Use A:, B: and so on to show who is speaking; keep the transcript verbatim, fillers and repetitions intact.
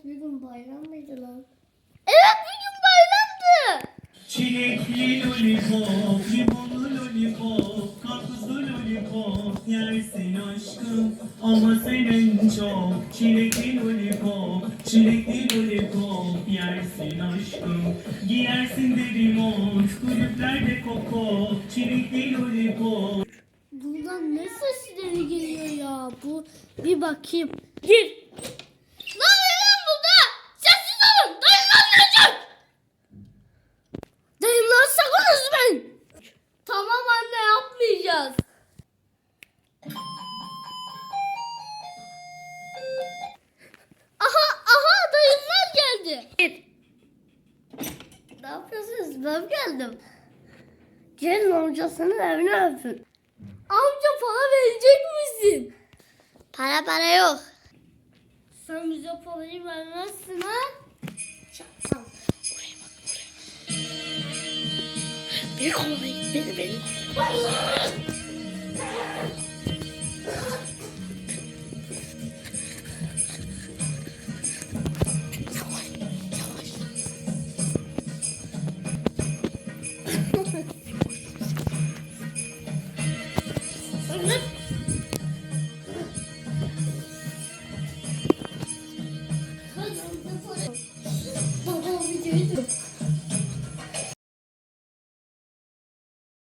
A: Bugün bayram mıydı lan?
B: Evet, bugün bayramdı.
C: Çilekli lollipop, limonlu lollipop, karpuzlu lollipop yersin aşkım ama senin çok. Çilekli lollipop, çilekli lollipop yersin aşkım. Giyersin deri mont, kulüplerde koko, çilekli lollipop.
A: Buradan ne sesleri geliyor ya? Bu bir bakayım. Gir.
B: Ne oluyor lan burada? Sessiz olun. Dayımdan geleceğim.
A: Dayımlar sakın üzmeyin. Tamam anne, yapmayacağız.
B: Aha aha dayımlar geldi.
A: Ne yapıyorsunuz? Ben geldim. Gelin amcasının evine öpün. Amca para verecek misin?
B: Para para yok.
A: Sen bize parayı vermezsin ha? Çakal.
B: Bir kolayı beni beni.